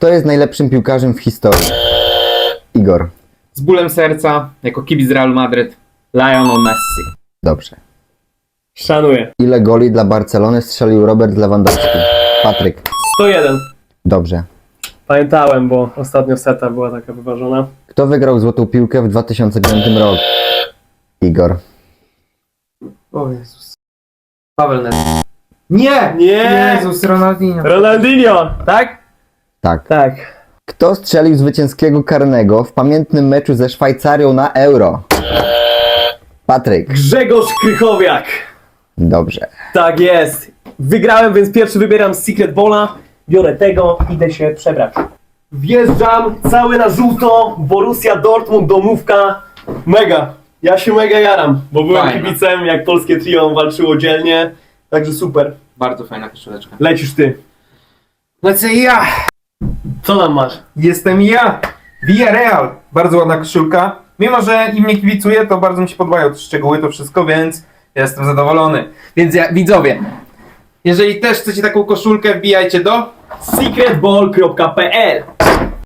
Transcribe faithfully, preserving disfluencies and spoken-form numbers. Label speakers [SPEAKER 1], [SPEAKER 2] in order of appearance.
[SPEAKER 1] Kto jest najlepszym piłkarzem w historii? Igor.
[SPEAKER 2] Z bólem serca, jako kibic Realu Madryt, Lionel Messi.
[SPEAKER 1] Dobrze.
[SPEAKER 3] Szanuję.
[SPEAKER 1] Ile goli dla Barcelony strzelił Robert Lewandowski? Patryk.
[SPEAKER 3] sto jeden.
[SPEAKER 1] Dobrze.
[SPEAKER 3] Pamiętałem, bo ostatnio seta była taka wyważona.
[SPEAKER 1] Kto wygrał złotą piłkę w dwa tysiące piątym roku? Igor.
[SPEAKER 2] O Jezus. Paweł Nedved. Nie!
[SPEAKER 3] Nie!
[SPEAKER 2] Jezus, Ronaldinho.
[SPEAKER 3] Ronaldinho, tak?
[SPEAKER 1] Tak.
[SPEAKER 3] Tak.
[SPEAKER 1] Kto strzelił zwycięskiego karnego w pamiętnym meczu ze Szwajcarią na Euro? Patryk.
[SPEAKER 3] Grzegorz Krychowiak.
[SPEAKER 1] Dobrze.
[SPEAKER 3] Tak jest. Wygrałem, więc pierwszy wybieram Secret Bola. Biorę tego, idę się przebrać. Wjeżdżam cały na żółto. Borussia Dortmund, domówka. Mega. Ja się mega jaram, bo byłem
[SPEAKER 2] Fajna.
[SPEAKER 3] kibicem, jak polskie trio walczyło dzielnie. Także super.
[SPEAKER 2] Bardzo fajna koszuleczka.
[SPEAKER 3] Lecisz ty.
[SPEAKER 2] Lecę ja!
[SPEAKER 3] Co tam masz?
[SPEAKER 4] Jestem ja, Villarreal. Bardzo ładna koszulka. Mimo, że im nie kibicuję, to bardzo mi się podobają te szczegóły, to wszystko, więc jestem zadowolony.
[SPEAKER 2] Więc ja, widzowie, jeżeli też chcecie taką koszulkę, wbijajcie do
[SPEAKER 3] secret ball kropka p l